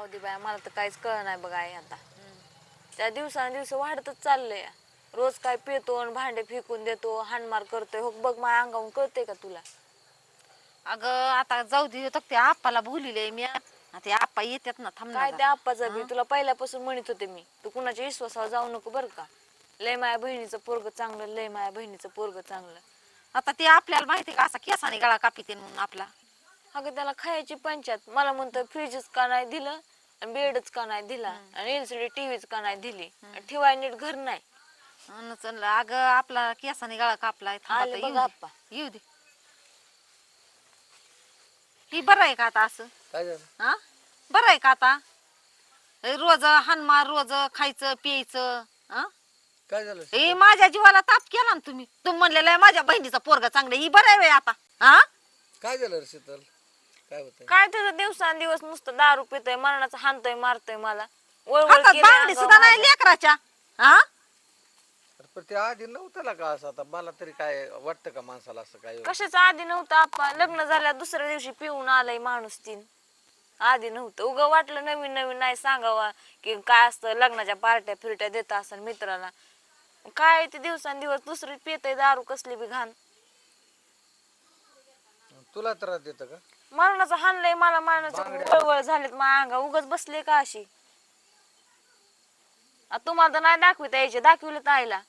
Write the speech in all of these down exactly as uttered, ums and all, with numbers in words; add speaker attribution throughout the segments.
Speaker 1: दे बाया, मला तर काहीच कळ नाही बघा आई आता. त्या दिवसांदिवस वाढतच चाललंय. रोज काय पितो आणि भांडे फेकून देतो, हाणमार करतोय. हो बघ माझ्या अंगावून कळतंय का तुला?
Speaker 2: अगं आता जाऊ दे तर त्या आप्पाला बोलिले मी. ते आप्पा येतात ना, थांब ना
Speaker 1: काय त्या
Speaker 2: जरा.
Speaker 1: आप्पाचं बी
Speaker 2: हं?
Speaker 1: तुला पहिल्यापासून म्हणत होते मी, तू कुणाच्या विश्वासावर जाऊ नको बरं का. लय माझ्या बहिणीचं पोरग चांगलं, लय माझ्या बहिणीचं पोरग चांगलं.
Speaker 2: आता ते आपल्याला माहिती का असा केसाने गळा कापिते म्हणून आपला.
Speaker 1: अगं त्याला खायची पंचायत. मला म्हणतोय फ्रीजच का नाही दिलं आणि बेडच का नाही दिला आणि एलसीडी टीव्हीच का नाही दिली, ठेवाय नीट घर नाही.
Speaker 2: अन चल अगं आपला केसाने गळा कापलाय. थांब
Speaker 1: आले
Speaker 2: आता येऊ
Speaker 1: बघा
Speaker 2: दे,
Speaker 1: आप्पा.
Speaker 2: येऊ दे. ही बरं आहे का आता असं?
Speaker 3: काय झालं?
Speaker 2: हा बरं आहे का आता? रोज हानमार, रोज खायचं प्यायचं. हा
Speaker 3: काय झालं
Speaker 2: हे माझ्या जीवाला ताप केला ना तुम्ही. तुम्ही म्हणलेलं आहे माझ्या बहिणीचा पोरगा चांगला. ही बरं आहे व्हय आता? हा
Speaker 3: काय झालं रे शीतल? काय होतंय?
Speaker 1: काय त्याचं दिवसांदिवस नुसतं दारू पितोय, मरणाचं हाणतोय मारतोय मला. वळवळ
Speaker 2: हातात
Speaker 1: केली
Speaker 2: बांगडी
Speaker 1: अंगावर
Speaker 2: सुद्धा नाही
Speaker 1: माझ्या.
Speaker 2: लेकराच्या. हा
Speaker 3: अरे पण ते आधी नव्हतं ना का असं? आता मला तरी काय वाटतं का माणसाला असं काय?
Speaker 1: कशाचं आधी नव्हतं आप्पा? लग्न झाल्या दुसऱ्या दिवशी पिऊन आलाय माणूस तीन. आधी नव्हतं. उग वाटलं नवीन नवीन नाही सांगावा की काय असतं, लग्नाच्या पार्ट्या फिरट्या देत असेल मित्राला. काय ते दिवसांदिवस दुसरी पितय दारू कसली बी घाण.
Speaker 3: तुला त्रास देतं का?
Speaker 1: मरणाचं हाणलंय मला, मरणाचं वळवळ झालेत माझ्या अंगा. उगाच बसले का अशी? आ तुम्हाला तर नाही दाखविता यायचे, दाखविलं तर आईला.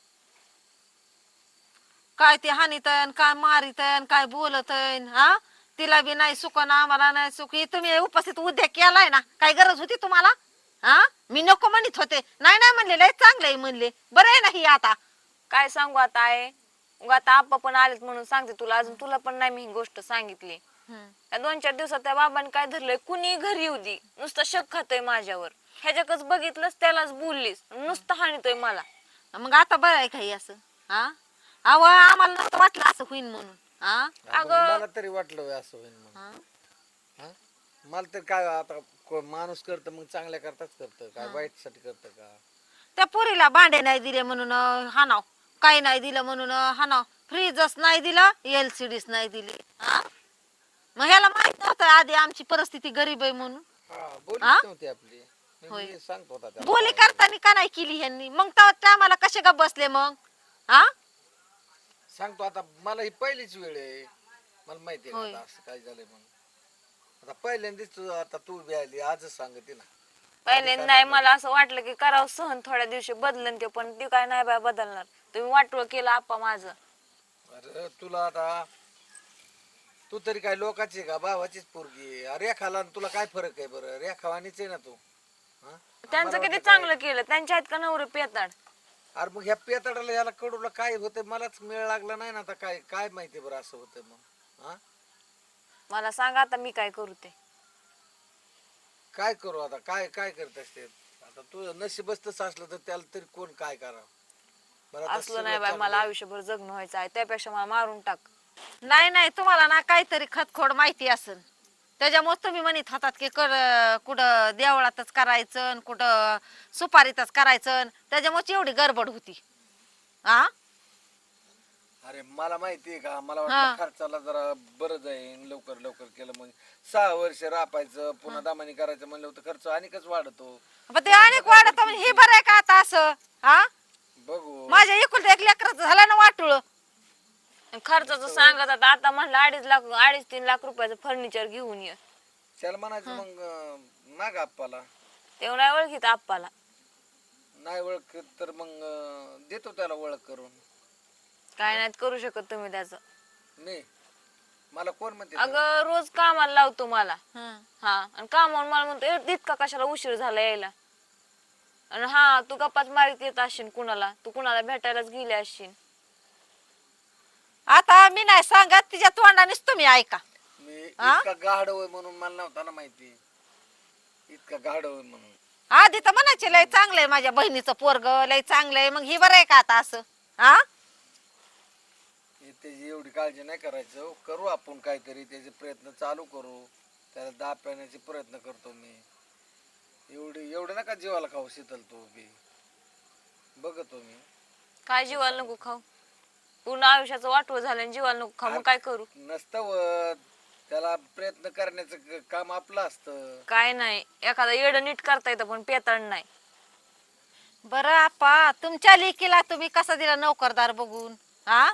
Speaker 2: काय ते हानितन, काय मारितन, काय बोलतन. हा तिला बी नाही सुख ना आम्हाला नाही सुख. हे तुम्ही उपस्थित उद्या केलाय ना, काय गरज होती तुम्हाला? हा मी नको म्हणत होते. नाही नाही म्हणले, लय चांगलं आहे म्हणले. बरं आहे ना ही आता?
Speaker 1: काय सांगू आता आहे. उगा आता आप्पा पण आलेत म्हणून सांगते तुला. अजून तुला पण नाही मी ही गोष्ट सांगितली. त्या दोन चार दिवसात त्या बाबांनी काय धरलंय, कुणी घरी येऊ दे नुसतं शक खातोय माझ्यावर. ह्याच्याकच बघितलंस त्यालाच बोललीस, नुसतं हाणतोय मला.
Speaker 2: मग आता बरं आहे काही असं? हा अव आम्हाला नव्हतं वाटलं असं होईन म्हणून. हा
Speaker 3: अगं मला तरी वाटलं होय असं होईल म्हणून.
Speaker 2: हा?
Speaker 3: हा? मला तर काय आता को- माणूस करतं मग चांगल्या करताच करतं, काय वाईट साठी करतं का?
Speaker 2: त्या पोरीला भांडे नाही दिले म्हणून हानाव, काही नाही दिलं म्हणून हानाव, फ्रीजच नाही दिलं, एलसीडीच नाही दिली. हा मग ह्याला माहित नव्हतं आधी आमची परिस्थिती गरीब आहे म्हणून?
Speaker 3: हा बोलीच
Speaker 2: हा?
Speaker 3: नव्हती आपली. मी-
Speaker 2: होय.
Speaker 3: मी सांगतो होता त्याला
Speaker 2: बोली
Speaker 3: काय.
Speaker 2: करताना का नाही केली ह्यांनी? मग तेव्हा आम्हाला कसे का बसले मग? हा
Speaker 3: सांगतो आता, मला ही पहिलीच वेळ आहे. मला माहिती आहे
Speaker 2: होय.
Speaker 3: का आता असं काय झालंय म्हणून. आता पहिल्यांदाच तू आता तू बी आली, आजच सांगते ना.
Speaker 1: पहिले नाही, मला असं वाटलं की करावं सहन, थोड्या दिवशी बदलन ते, पण ते काय नाही बाय बदलणार. तुम्ही वाटोळ केलं आप्पा माझं.
Speaker 3: अरे तुला आता, तू तरी काय लोकांची का भावाचीच पोरगी आहे. रेखाला आणि तुला काय फरक आहे बरं? रेखावानीच आहे ना तू. हा?
Speaker 1: त्यांचं
Speaker 3: मला
Speaker 1: किती
Speaker 3: वाटलं
Speaker 1: चांगलं केलं, त्यांच्या आहेत का नवरे पेताड.
Speaker 3: काय- अरे मग ह्या पेताडाला याला कडूला काय होतंय मलाच मेळ लागला नाही ना आता. काय काय माहिती बरं असं होतंय मग? हा
Speaker 1: मला सांगा आता मी काय करू ते.
Speaker 3: काय करू आता? काय काय करत असते आता? तू नशीबच तसं असलं तर त्याला तरी कोण काय करावं बरं? आता
Speaker 1: असलं नाही
Speaker 3: सगळं
Speaker 1: बाय, मला
Speaker 3: चाललंय.
Speaker 1: आयुष्यभर जगणं व्हायचं आहे, त्यापेक्षा मला मारून टाक.
Speaker 2: नाही नाही तुम्हाला ना काहीतरी खतखोड माहिती असेल, त्याच्यामुळे तुम्ही म्हणत होतात की कर कुठं देवळातच करायचं आणि कुठं सुपारीतच करायचं, त्याच्यामुळे एवढी गडबड होती. हा
Speaker 3: अरे मला माहिती आहे का, मला
Speaker 2: हा.
Speaker 3: वाटलं खर्चाला जरा बरं जाईन, लवकर लवकर केलं म्हणजे सहा वर्ष रापायचं पुन्हा दामानी करायचं म्हणलं होतं, खर्च अनेकच वाढतो.
Speaker 2: पण ते अनेक वाढत म्हणजे हे बरं आहे का आता असं? हा
Speaker 3: बघू
Speaker 2: माझ्या एकुलता एक लेकराचं झालं ना वाटुळ.
Speaker 1: खर्चाचं सांगत आता आता म्हणलं अडीच लाख अडीच तीन लाख रुपयाचं फर्निचर घेऊन ये.
Speaker 3: त्याला म्हणायचं मग अं, माग आप्पाला.
Speaker 1: तेव्हा नाही ओळखीत आप्पाला.
Speaker 3: नाही ओळख तर मग अं, देतो त्याला ओळख करून.
Speaker 1: काय नाहीत करू शकत तुम्ही त्याचं.
Speaker 3: नाही मला कोण म्हणते?
Speaker 1: अगं रोज कामाला लावतो मला.
Speaker 2: हं.
Speaker 1: हा आणि कामावर मला म्हणतो "ए, इतका कशाला उशीर झाला यायला. आणि हा तू गप्पाच मारीत येत असशील कुणाला, तू कुणाला भेटायलाच गेले असशील.
Speaker 2: आता मी नाही सांगत, तिच्या तोंडानेच तुम्ही ऐका.
Speaker 3: मी
Speaker 2: हा?
Speaker 3: इतका गाढव आहे म्हणून मला नव्हता ना माहिती. इतका गाढव आहे म्हणून.
Speaker 2: आधी तर म्हणायचे लय चांगलंय माझ्या बहिणीचं पोरग, लय चांगलंय. मग ही बरं आहे का आता असं? हा
Speaker 3: हे त्याची एवढी काळजी नाही करायचं. करू आपण काहीतरी, त्याचे प्रयत्न चालू करू. त्याला दाब पाण्याचे प्रयत्न करतो मी. एवढी एवढं नका जीवाला खाऊ शीतल तू बी. बघतो मी.
Speaker 1: काय जीवाला नको खाऊ. पूर्ण आयुष्याचं वाटवं झालं आणि जीवाला नको खाऊ, मग काय करू?
Speaker 3: नसतं वत. त्याला प्रयत्न करण्याचं क- काम आपलं असतं.
Speaker 1: काय नाही, एखादा येड नीट करता येतं पण पेताळ नाही.
Speaker 2: बरं आपा, तुमच्या लेकीला तुम्ही कसा दिला नोकरदार बघून? हा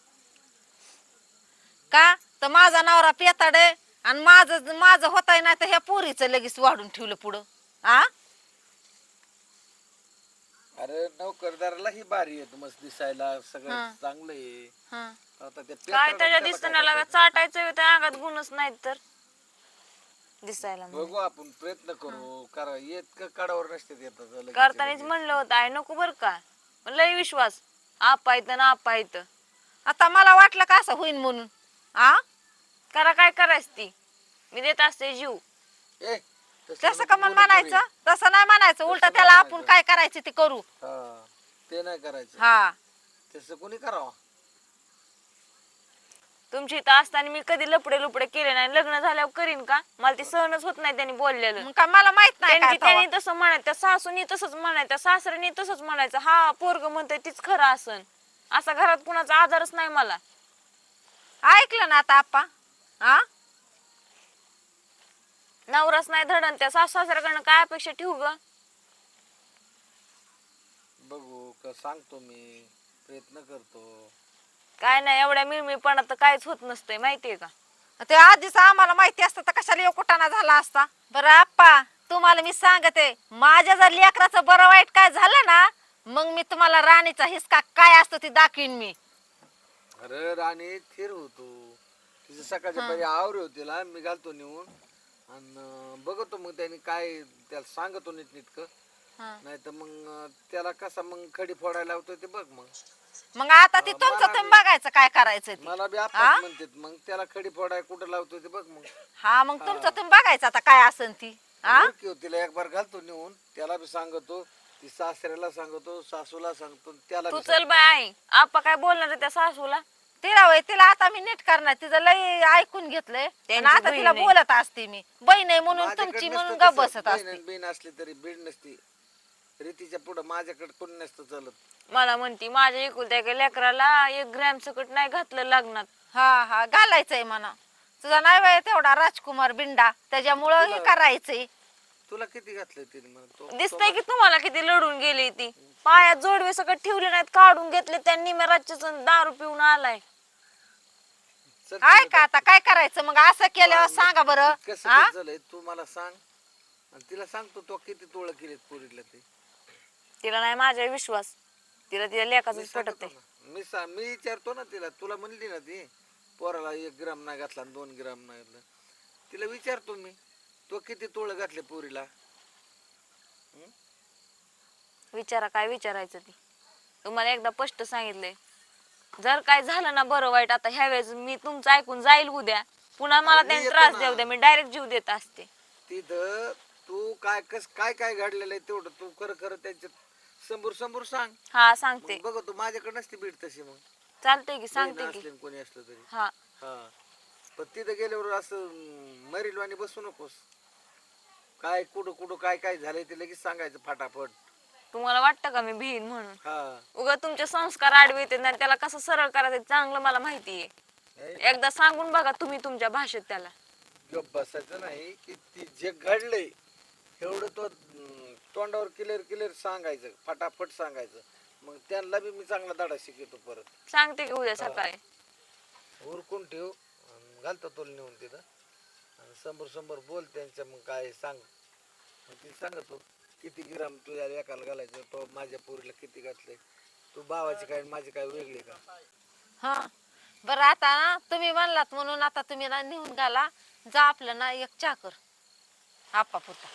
Speaker 2: का तर माझा नवरा पेताड आहे आणि माझं माझं होताय नाही तर ह्या पोरीचं लगेच वाढून ठेवलं पुढं. हा
Speaker 3: अरे नोकरदारालाही भारी आहे, मस्त दिसायला सगळं
Speaker 2: हा.
Speaker 3: चांगलं आहे.
Speaker 2: हा
Speaker 3: आता ते
Speaker 1: काय
Speaker 3: पेत्राला
Speaker 1: त्याच्या
Speaker 3: त्याला काय
Speaker 1: दिसण्याला
Speaker 3: करता येतं?
Speaker 1: चाटायचं त्या अंगात गुणच नाहीत तर दिसायला म्हणून.
Speaker 3: बघू आपण प्रयत्न करू, करा येत का कडावर नसते येतात लगेच
Speaker 1: करतानाच
Speaker 3: लगेच.
Speaker 1: म्हणलं होतं आहे नको बर का, पण लय विश्वास आपा येतं ना आपा येतं.
Speaker 2: आता मला वाटलं का असं होईन म्हणून. हा
Speaker 1: करा काय करायचं ती, मी देत असते जीव.
Speaker 3: ए, तसं
Speaker 2: तसं
Speaker 3: नको
Speaker 2: का मग
Speaker 3: बोलू
Speaker 2: म्हणायचं?
Speaker 3: पोरी.
Speaker 2: तसं नाही म्हणायचं, उलट
Speaker 3: तसं
Speaker 2: त्याला
Speaker 3: नाही
Speaker 2: आपण
Speaker 3: म्हणायचं.
Speaker 2: काय करायचं ते करू.
Speaker 3: हा, ते नाही करायचं.
Speaker 2: हा
Speaker 3: तसं कोणी करावं?
Speaker 1: तुमची इथं असताना मी कधी लपडे लुपडे केले नाही, लग्न झाल्यावर करीन का? मला ती सहनच होत नाही त्यांनी बोललेलं.
Speaker 2: मग का मला माहित नाही काय
Speaker 1: त्यांची
Speaker 2: तेव्हा?
Speaker 1: त्यांनी तसं म्हणायचं, त्या सासूनी तसंच म्हणायचं, त्या सासऱ्यानी तसंच म्हणायचं. हा पोरग म्हणतोय तीच खरं असन, असा घरात कुणाचा आधारच नाही मला.
Speaker 2: ऐकलं ना आता आप्पा? हा
Speaker 1: नवराच नाही धडण, त्या सासू सासऱ्याकडनं काय अपेक्षा ठेवू ग?
Speaker 3: बघू का सांगतो मी, प्रयत्न करतो.
Speaker 1: काय नाही, एवढ्या मिळमिळपणात तर काहीच होत नसतंय माहितीये का?
Speaker 2: ते आधीच आम्हाला माहिती असतं तर कशाला येऊ कुटाणा झाला असता. बरं आप्पा, तुम्हाला मी सांगते, माझ्या जर लेकराचं बरं वाईट काय झालं ना, मग मी तुम्हाला राणीचा हिसका काय असतो ते दाखवीन मी.
Speaker 3: अरे राणी थिर होतो, तिचं सकाळच्या पहिले आवरे होतीला मी घालतो नेऊन आणि बघतो मग त्याने काय त्याला सांगतो नीटनीटकं.
Speaker 2: हा.
Speaker 3: नाही तर मग त्याला कसा मग खडी फोडायला लावतो ते बघ. मग
Speaker 2: मग आता ती
Speaker 3: हा,
Speaker 2: तुमचं
Speaker 3: मला
Speaker 2: तुम्ही
Speaker 3: बी-
Speaker 2: बघायचं काय करायचं ते.
Speaker 3: मला बी
Speaker 2: हा?
Speaker 3: आपच म्हणतात, मग त्याला खडी फोडाय कुठं लावतो ते बघ. मग
Speaker 2: हा मग तुमचं तुम्ही बघायचं आता काय असन ती. हा
Speaker 3: ओळखी हो, तिला एक बार घालतो नेऊन, त्याला बी सांगतो, ती सासऱ्याला सांगतो, सासूला सांगतो, त्याला
Speaker 1: तू
Speaker 3: बी
Speaker 1: चल
Speaker 3: सांगतो.
Speaker 1: बाय आई, आपा काय बोलणार आहे त्या सासूला?
Speaker 2: तिला वय तिला आता मी नीट करणार, तिचं लय ऐकून घेतलंय आणि
Speaker 1: त्यांची
Speaker 2: आता
Speaker 1: बहीण
Speaker 2: तिला
Speaker 1: आहे.
Speaker 2: बोलत असते मी, बहीण आहे म्हणून
Speaker 3: माझ्याकडे
Speaker 2: तुमची
Speaker 3: नसतं
Speaker 2: म्हणून
Speaker 3: तसं,
Speaker 2: गप बसत
Speaker 3: बहीण
Speaker 2: असते.
Speaker 3: आणि बहीण असली तरी बीड नसती रीतीच्या पुढं, माझ्याकडे कोणी नसतं चालत.
Speaker 1: मला म्हणती माझ्या एकुलत्या एका लेकराला एक ग्रॅम सकट नाही घातलं लग्नात.
Speaker 2: हा हा घालायचंय म्हणा, तुझा नाही वय तेवढा राजकुमार बिंडा, त्याच्यामुळं हे
Speaker 3: तुला-
Speaker 2: करायचंय.
Speaker 3: तुला किती घातलंय तिने मग? तो-
Speaker 1: दिसतंय की तुम्हाला किती लढून गेली ती, पायात जोडवे सकट ठेवले नाहीत, काढून घेतले त्यांनी. मी रातच्या दारू पिऊन आलाय.
Speaker 3: चल
Speaker 2: आहे
Speaker 3: तिला
Speaker 2: का आता काय करायचं मग असं केल्यावर सांगा बरं.
Speaker 3: कसं
Speaker 2: हा
Speaker 3: कसं झालंय तू मला सांग, आणि तिला सांगतो तो किती तोळ केलेत पोरीला ते.
Speaker 1: तिला नाही माझ्यावर विश्वास, तिला तिच्या लेखाच
Speaker 3: मी
Speaker 1: पटत
Speaker 3: सांगतो
Speaker 1: आहे.
Speaker 3: ना, मी सा मी विचारतो ना तिला. तुला म्हणली ना ती पोराला एक ग्राम नाही घातला आणि दोन ग्राम नाही घातलं, तिला विचारतो मी तो किती तोळ घातले पोरीला.
Speaker 1: विचारा काय विचारायचं ती, तुम्हाला एकदा स्पष्ट सांगितलंय. जर काय झालं ना बरं वाईट, आता ह्या वेळेस मी तुमचं ऐकून जाईल उद्या, पुन्हा मला
Speaker 3: अरे मी
Speaker 1: त्यांनी
Speaker 3: येतो
Speaker 1: त्रास
Speaker 3: ना.
Speaker 1: देऊ द्या, मी डायरेक्ट जीव देत असते.
Speaker 3: तिथं तू काय कस काय काय घडलेलं आहे तेवढं तू खरं खरं त्यांच्यात समोर समोर सांग.
Speaker 1: हा सांगते,
Speaker 3: मग बघ तू माझ्याकडे नसती बीड तशी, मग
Speaker 1: चालतंय की
Speaker 3: बहीण
Speaker 1: सांगते की.
Speaker 3: असले न कोणी असलं तरी.
Speaker 1: हा
Speaker 3: हा, पण तिथं गेल्यावर असं मरीलवाणी बसू नकोस. काय कुठं कुठं काय काय झालंय ते लगेच सांगायचं फटाफट.
Speaker 1: तुम्हाला वाटतं का मी भिन म्हणून?
Speaker 3: हा,
Speaker 1: उगा तुमचे संस्कार आडवे येते ना, त्याला कसं सरळ करायचं चांगलं मला माहितीये.
Speaker 3: नाही,
Speaker 1: एकदा सांगून बघा तुम्ही तुमच्या भाषेत त्याला.
Speaker 3: गप्प बसायचं नाही की ती जे घडलंय एवढं तो अं, तोंडावर क्लिअर क्लिअर सांगायचं, फटाफट सांगायचं. मग त्यांना बी मी चांगला धडा शिकवतो परत.
Speaker 1: सांगते की उद्या सकाळी.
Speaker 3: उरकून ठेव, अन घालतो तुला नेऊन तिथं आणि समोर समोर बोल त्यांच्या. मग काय सांग, मग ती सांगतो किती ग्राम तुझ्या एकाला घालायचं, तो माझ्या पोरीला किती घातलंय. तू भावाची काय आणि माझी काय वेगळी का?
Speaker 2: हा बरं आता ना तुम्ही म्हणलात म्हणून आता तुम्ही ना नेऊन घाला, जा आपलं ना एक चहा कर आपा पुरता.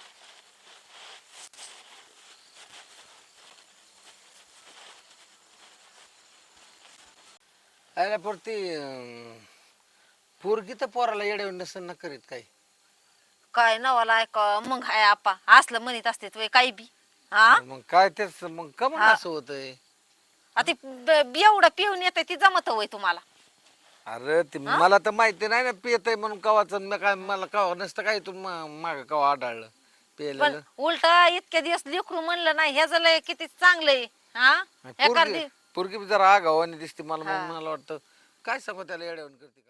Speaker 3: अरे पण ती अं, पोरगी तर पोराला येड्यावर नसेल ना करीत काही.
Speaker 2: काय नवाला ऐका मग हाय आपा असलं म्हणत असते तुम्ही काही बी. हा
Speaker 3: मग काय तेच, मग कमन
Speaker 2: हा.
Speaker 3: असं होतंय.
Speaker 2: आता ब- एवढं पिऊन येते ती जमत होय तुम्हाला?
Speaker 3: अरे ते मला तर माहिती नाही ना पियतय म्हणून कवाच. काय मला कवा नसतं काय तू माग कवा आढळलं
Speaker 2: पण
Speaker 3: पिलेलं.
Speaker 2: उलट इतके दिवस लेकरू म्हणलं नाही ह्याच लय किती चांगलंय. हा एखादी
Speaker 3: पोरगी पोरगी जरा आगावानी दिसते मला.
Speaker 2: हा.
Speaker 3: मग मला वाटतं काय सांगू त्याला येड्यावर करते का.